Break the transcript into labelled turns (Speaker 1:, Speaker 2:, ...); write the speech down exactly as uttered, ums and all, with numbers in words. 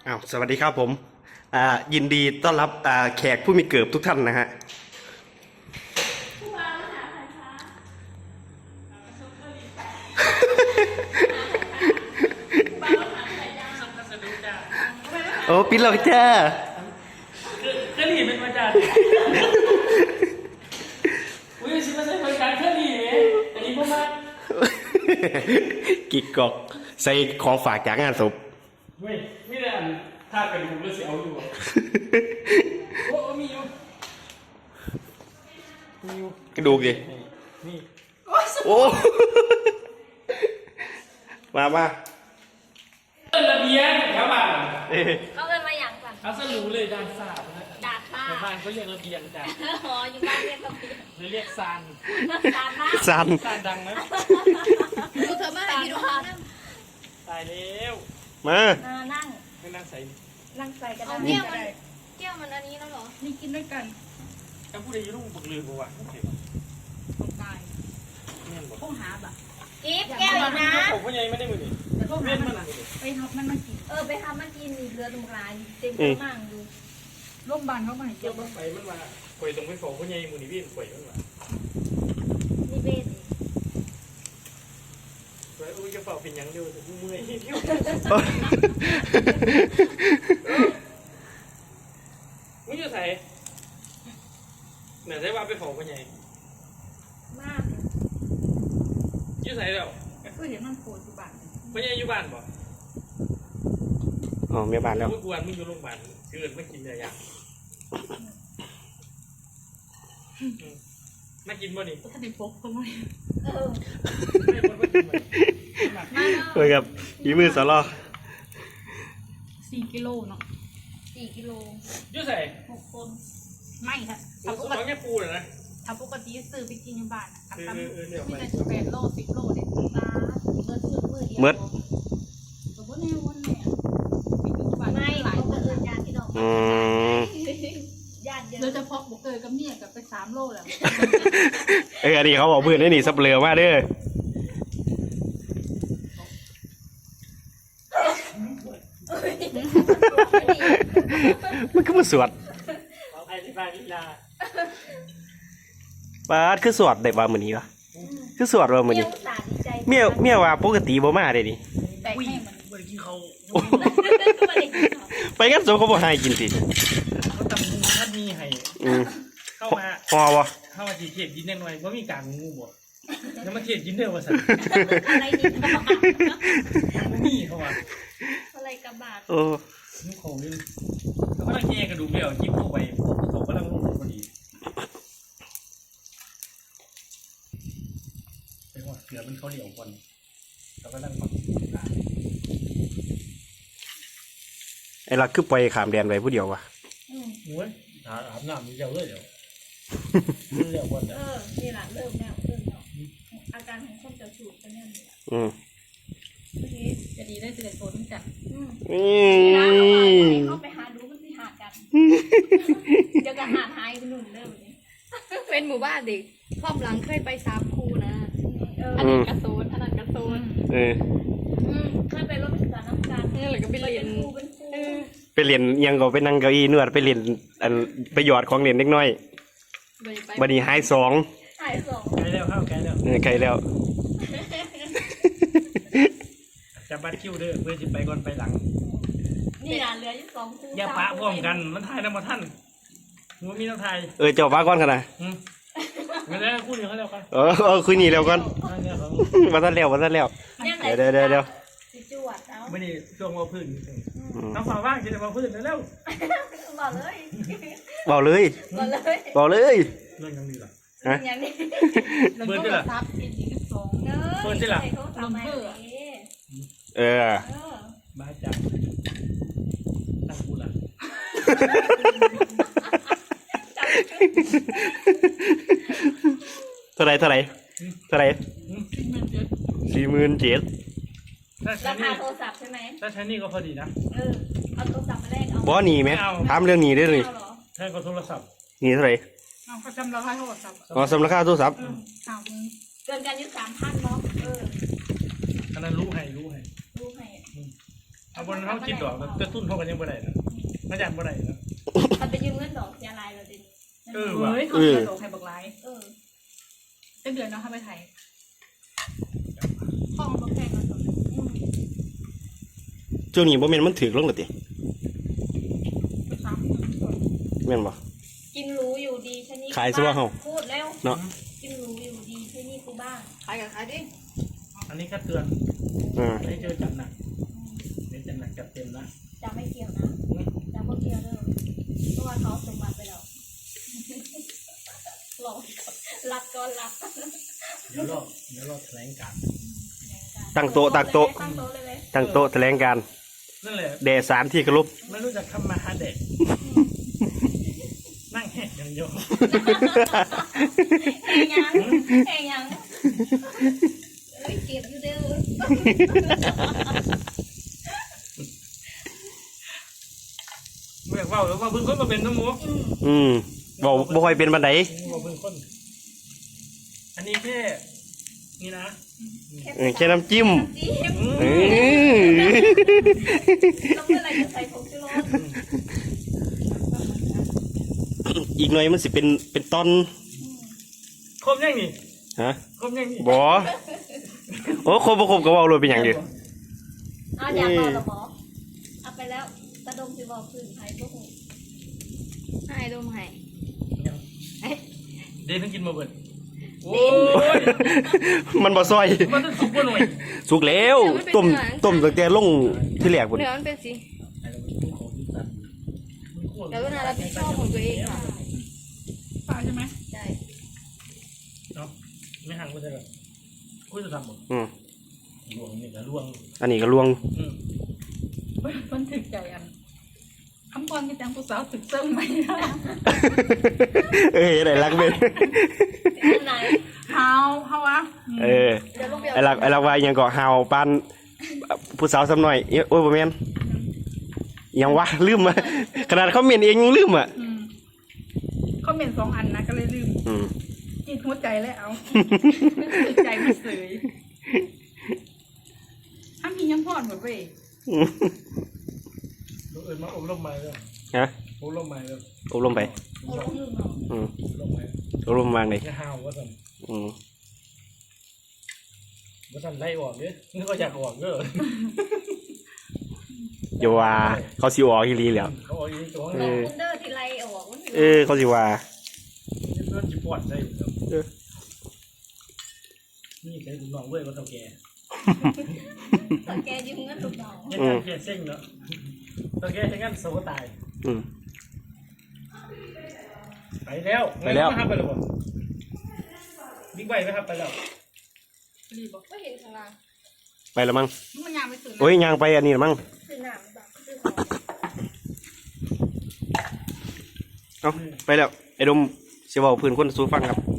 Speaker 1: อ้าวสวัสดีครับผมอ่ายินดีต้อนรับอ่าแขกผู้มีเกียรติทุกท่านนะฮะโอ้ปิดแล้วจ้า
Speaker 2: เคลี่เป็นมาจากอุ้ยชิมาใส่บริการเคลี่อันนี้พวกมา
Speaker 1: กิกกอกใส่ของฝากจากงานศพ
Speaker 2: เว้ยไม่ได้อ่านท่ากระดูกแล้วสิเอาอยู่โอ้มีอยู่มีอยู่
Speaker 1: กระดูกดิ
Speaker 2: นี่
Speaker 1: โอ้มามา
Speaker 2: เอิ้นระเบียงครับบ้าน
Speaker 3: เขาเอินมาอย่างสั่ง
Speaker 2: เอาสรุปเลยดานสาบนะ
Speaker 3: ดาดฟ้า
Speaker 2: ในบ้านเขาเรียกระเบียงจ้ะ
Speaker 3: อ๋ออยู่บ้านเรียกระเบียง
Speaker 2: หรือเรียกซาน
Speaker 3: ดาดฟ้า
Speaker 1: ซัน
Speaker 2: ซานดังนะ
Speaker 3: ดูเธอมาอยู่ห้อง
Speaker 2: ตายแล้ว
Speaker 1: มา
Speaker 3: นั่ง
Speaker 2: ให้นั่งใส่
Speaker 3: นั่งใส่กระดาษแก้วมันแก้วมันอันนี้แล้วเหรอนี่กินด้วยกัน
Speaker 2: ถ้าพูดได้ยุ่งปักลืมกูว่ะโอเคป่ะ
Speaker 3: ต้องตาย
Speaker 2: เนี่ยบอก
Speaker 3: ต้องหาแบบกิ๊บแก้วอีกนะ
Speaker 2: ผมก็ยังไม่ได้มือนี่
Speaker 3: แต่พวก
Speaker 2: เล่
Speaker 3: นั้น
Speaker 2: นมัน
Speaker 3: ไปทำมันมากินเออไปทำมันกินเรือตรงกลางเต็มมากดูโรงพยาบาลเขามาให้
Speaker 2: เกี่
Speaker 3: เกี่
Speaker 2: ย
Speaker 3: ยว ว
Speaker 2: มันไปมันมาข่อยตรงไปฝอคนใหญ่มือนี่วิ่งข่อยมันมา
Speaker 3: นี่เบส
Speaker 2: ข่อยอุ้ยกระเป๋าเป็นยังเดียวแต่เมื่อยเที่ยวมึงจะใส่เหนือใส่ว่าไปฝอคนใหญ่
Speaker 3: มาก
Speaker 2: ยืดใส่แล้ว
Speaker 3: ก็เห็นมันโผล่อยู่บ้าน
Speaker 2: คนใหญ่อยู่บ้านบ่
Speaker 1: อ๋อเมียบ้านแล้ว
Speaker 2: มึงกวนมึงอยู่โรงพยาบาลเกินไม่กินอะไรอย่างมากินบ่นี่
Speaker 3: ถ้าติดปกทำไมเออ
Speaker 2: ไม่บ่กินบ่
Speaker 1: คุยกับยีมือสลอ
Speaker 3: สี่กิโลเนาะสี่กิโล
Speaker 2: ยืดใส่
Speaker 3: หกคนไม่ค่ะ
Speaker 2: เราสมองแค่ปูเลยนะ
Speaker 3: ถ้าปกติซื้อไปกินอยู่บ้านอ่ะ
Speaker 2: เออเออเดี๋ยว
Speaker 3: มี
Speaker 2: ไป
Speaker 3: แต่แปดโลสิบโลเด็ดตาเมื่อซื้อมือเดียว
Speaker 1: เมิด
Speaker 3: สมมติในวันเนี่ยไปอยู่บ้านไม่หลายคนญาติพี่น้อง
Speaker 1: อืม
Speaker 3: ญาติเยอะโดยเฉพาะบุกเกยกับเมียกับไปสามโลแล้ว
Speaker 1: เอออันนี้เขาบอกเพื่อนได้หนีสับเปลือมาเด้อมันก็มาสวด
Speaker 2: ขออภัยที่บ้านนิลา
Speaker 1: ปาดคือสวดได้ว่ามื้อนี้วะคือสวดว่ามื้อนี้เมียเมียว่าปกติบ่มาเด้นี่
Speaker 3: แต่ให้มัน
Speaker 2: เมื่อกี้เขา
Speaker 1: ไปกันโซเขาบ่ให้กินสิ
Speaker 2: เขาตำงูท่านมีให้
Speaker 1: อืม
Speaker 2: เข้ามา
Speaker 1: พอบ่
Speaker 2: เข้ามาจีเทียบกินแน่นอนว่ามีการงูบ่แล้วมาเทียบกินเด้อว่าสั่น
Speaker 3: อะไรนี่
Speaker 2: มีเขาว่า
Speaker 3: อะไรกระบาด
Speaker 1: โอ้
Speaker 2: งูเขานี่เขากำลังแย่กระดูกเดี่ยวจิ้มเข้าไปเขากำลังลงพอดีไปหัวเกลือมันเขาเหลียวคนเขากำลังแบบ
Speaker 1: ไอ้ลักคือปล่อยขามแดนไว้ผู้เดียววะ
Speaker 2: โอ้ยอาบน้ำมีเจ้าเลยเดี๋ยวมันเหลียวคน
Speaker 3: เออนี่แหละเริ่มแล้วเริ่มแล้วอาการของคนจะสูบกันเนี่ย
Speaker 1: อืม
Speaker 3: เมื่อกี้จะดีได้เจอคนจัดอืม
Speaker 1: อื
Speaker 3: นี่นะ
Speaker 1: ม
Speaker 3: เขาไปหาดูมันสิหากันเดี๋ยวกันหาหายไปหนุนเริ่มนี้เป็นหมู่บ้านเด็กครอบหลังเคยไปสามคูนะอันนี้กระโซนอันนั้นกระโซน
Speaker 1: เออ
Speaker 3: เคยไปรถศึกษาน้ำการนี่แหละก็ไปเรียนครูเป็นครู
Speaker 1: ไปเรียนอิหยังก็ไปนั่งเก้าอี้นวดไปเรียนอันไปหยอดของเรียนเล็กน้อยบัดนี้หายสอง
Speaker 3: หายสอง
Speaker 2: ไกลแล้วเข้าไกลแล้ว
Speaker 1: เออไกลแล้ว
Speaker 2: จับบัตรคิวเด้อเพื่อจะไปก่อนไปหลัง
Speaker 3: นี่นะเหลืออยู่สองคู
Speaker 2: อย่าปะพร้อมกันมันทายน้ำมาท่านมันมีน้ำทาย
Speaker 1: เออเจ้าฟ้าก้อนขนาด
Speaker 2: อืมงั้นแล้วพูดอย่างเขาแล้วกัน
Speaker 1: เออเออคุยนี่แล้วก่อน
Speaker 2: เนี่ยเขา
Speaker 1: มาทันแล้วมาทันแล้วเดี๋ยวเดี๋ยวเดี๋ยวเดี๋ยว
Speaker 3: สิจวดเอา
Speaker 2: ไม่ได้ช่วงว่าพื้น
Speaker 1: อืม
Speaker 2: น้ำฝาว่างจะได้มาพื้นแล้ว
Speaker 3: บอกเลย
Speaker 1: บอกเลย
Speaker 3: บอกเลย
Speaker 1: บอกเลย
Speaker 2: เรื่องยังดีล่ะ
Speaker 1: ฮะ
Speaker 3: อย่างนี้
Speaker 2: เปิดได้ล่ะ
Speaker 3: ซับอีกอีกสองเนอะ
Speaker 2: เปิดได้ล่ะ
Speaker 3: ใส่โทรศัพท์มาเออ
Speaker 1: เออ
Speaker 3: เออ
Speaker 2: บ้าจังตั้งกูล่ะ
Speaker 1: เท่าไรเท่าไรเท่าไร
Speaker 2: อืม
Speaker 1: สี่หมื่นเจ็ด
Speaker 2: ถ้าใช้
Speaker 3: รา
Speaker 2: นี่
Speaker 3: คาโทรศัพท์ใช่ไหม
Speaker 2: ถ้าใช้นี่ก็พอดีนะ
Speaker 3: เออเอาโทรศัพท์มาแลกเอา
Speaker 1: บอหนีไหมถามเรื่องหนีได้เลย
Speaker 3: เอาเหรอ
Speaker 2: ใช้ก็โทรศัพท์
Speaker 1: หนีเท่าไร
Speaker 3: เอาเขาจำราคาโทรศัพท์
Speaker 1: อ๋อสำหรับค่าโทรศัพท์
Speaker 3: สามเกินกันอยี่สามพันเนาะเออ
Speaker 2: อันนั้นรู้ให้รู้ให้
Speaker 3: รู้ให้
Speaker 2: เอาบนเขาคิดดอกแต่ตุ้นเขากันยังบ่ได้นะมาจากบ่ได้นะ
Speaker 3: ถ้าไปยืมเงินดอกยาลายเราเด่น
Speaker 2: เออว่ะ
Speaker 4: เฮ้ยเขาเดือดไทยบอกไลฟ์
Speaker 3: เออ
Speaker 4: เป็นเดือนเนาะทำไปไทย
Speaker 3: ห้องมันแพงกว่าสม
Speaker 1: ช่วงนี้บ่แม่นมันถึกลงแล้วติ
Speaker 4: สาม
Speaker 1: แม่นบ่
Speaker 3: กินรู้อยู่ดีใช่นี่
Speaker 1: ขายซะว่าเฮา
Speaker 3: พูดแล้ว
Speaker 1: เนาะ
Speaker 3: กินรู้อยู่ดีใช่นี่กูบ้างขายกับขายดิ
Speaker 2: อันนี้ก็เตือน
Speaker 1: อ่า
Speaker 2: ไม่เจอจัดหนักไม่จัดหนักจัดเต็มนะ
Speaker 3: จะไม่เกี่ยวนะจะไม่เกี่ยวเด้อเพราะว่าเขาสมบัติไปแล้วหลอกรับก็รับ
Speaker 2: เดี๋ยวรอเดี๋ยวรอแถลงการ
Speaker 1: ตั้งโต๊ะตั้งโต๊ะ
Speaker 3: ตั้งโต๊ะเลยไหม
Speaker 1: ตั้งโต๊ะแถลงการ
Speaker 2: นั่นแหละ
Speaker 1: แด่สารที่เคารพ
Speaker 2: ไม่รู้จักทำมาหาเด็กนั่งแหกอย่างเดียว
Speaker 3: แหงยังแหงยังเอ้ยเก็บอยู่เด้อ
Speaker 2: เรียกว่าหรือว่าเพิ่งคนมาเป็นน้ำมูก
Speaker 1: อืมบ่บ่ค่อยเป็นบันได
Speaker 2: ว่าเพิ่งคนอันนี้แค่นี่นะ
Speaker 1: เออแค่น้ำจิ้ม
Speaker 3: จิ้ม
Speaker 1: เออ
Speaker 3: แล้วเมื่อไหรจะใส่ผงชูรส
Speaker 1: อีกหน่อยมันสิเป็นเป็นตอน
Speaker 2: ครบยังนี่
Speaker 1: ฮะ
Speaker 2: ครบยังนี่
Speaker 1: บ่โอ้ครบบ่ครบก็เว้าเลยเป็นหยังดิ
Speaker 3: เอาอยากบอกหรอหมอเอาไปแล้วตะดมสิบอกพื้นไทยพวกหูให้ดมให้
Speaker 2: เดนทั้งกินมาเบิดโอ้ย
Speaker 1: มันบ่ซอย
Speaker 2: มันต้องสุกบ่หน่อย
Speaker 1: สุกแล้วต้มต้มตั้งแต่ลงที่แรกพุ่น
Speaker 3: เนื้อมันเป็นสีเดี๋ยวนารับผิดชอบของตัวเองค่ะ
Speaker 4: ฟ้าใช่ไหม
Speaker 3: ใช่
Speaker 2: เนาะไม่ห่างก็จะแบบคุยจะทำหมด
Speaker 1: อืม
Speaker 2: ลวงนี่ก็ลวง
Speaker 1: อันนี้ก็ลวง
Speaker 2: อืม
Speaker 4: มันถึกใจอันคำพรกันจังผู้สาวถึกเซิ่งไหม
Speaker 1: เอ้ยได้รักเว้ย
Speaker 3: อันไหน
Speaker 4: เฮาเฮาวะ
Speaker 1: เออ
Speaker 3: เดี๋ยวลูกเบียร์
Speaker 1: ไอ้รักไอ้รักว่าอิหยังก็หาวปานผู้สาวซ้ำหน่อยเอ้ยโอ้ยบ่แม่นอิหยังวะลืมอ่ะขนาดเขาเมนเองยังลืมอ่ะ
Speaker 4: อืมเขาเมนสองอันนะก็เลยลืม
Speaker 1: อืม
Speaker 4: กินหัวใจแล้วเอาถึกใจมันเสยถ้ามียังพอดหมดเว้ย
Speaker 2: ลูกเอิญมาอบรมใหม่เลย
Speaker 1: ฮะ
Speaker 2: อบรมใหม่เลย
Speaker 1: อบรมไป
Speaker 3: โอ้ลูกลืมเหรอ
Speaker 1: อืม
Speaker 2: อบรมใหม่
Speaker 1: อบรมวางเลย
Speaker 2: จะห้าวว่าสั่น
Speaker 1: อืม
Speaker 2: ว่าสั่นไล่ออกเนี่ยนึกว่าอยากออกเด้อ
Speaker 1: อย่าว่าเขาสิออกอีหลีแล้ว
Speaker 2: เขาออกอีกตัว
Speaker 1: เอ
Speaker 2: นึง
Speaker 1: อ
Speaker 3: คุณเดอร์ทีไรออกมัน
Speaker 1: เออเขาสิว่า
Speaker 2: เพื่อนจะปวดได้อยู่แล้ว
Speaker 1: เออ
Speaker 2: นี่ใครดูน้องเว้ยว่าเท่าแก่
Speaker 3: ตอนแกยืมเงินลูกน้อง
Speaker 2: ยังการแก่เส้งเนาะเท่าแก่ใช้งานโซ่ตาย
Speaker 1: อืม
Speaker 2: ไปแล้ว
Speaker 1: ไปแล้ว
Speaker 2: ครับไปแล้วบ่บิ๊กไบค์ไหมครับไปแล้ว
Speaker 4: รีบบอก
Speaker 3: ก็เห็นข้างล่าง
Speaker 1: ไปแล้วมั้ง
Speaker 4: มันยามไปตื่น
Speaker 1: โอ้ยยางไปอันนี้ละมั้ง
Speaker 3: คือหนามแบบคือของ
Speaker 1: เอ้าไปแล้วไอ้ดมสิเว้าพื้นคนสู่ฟังครับ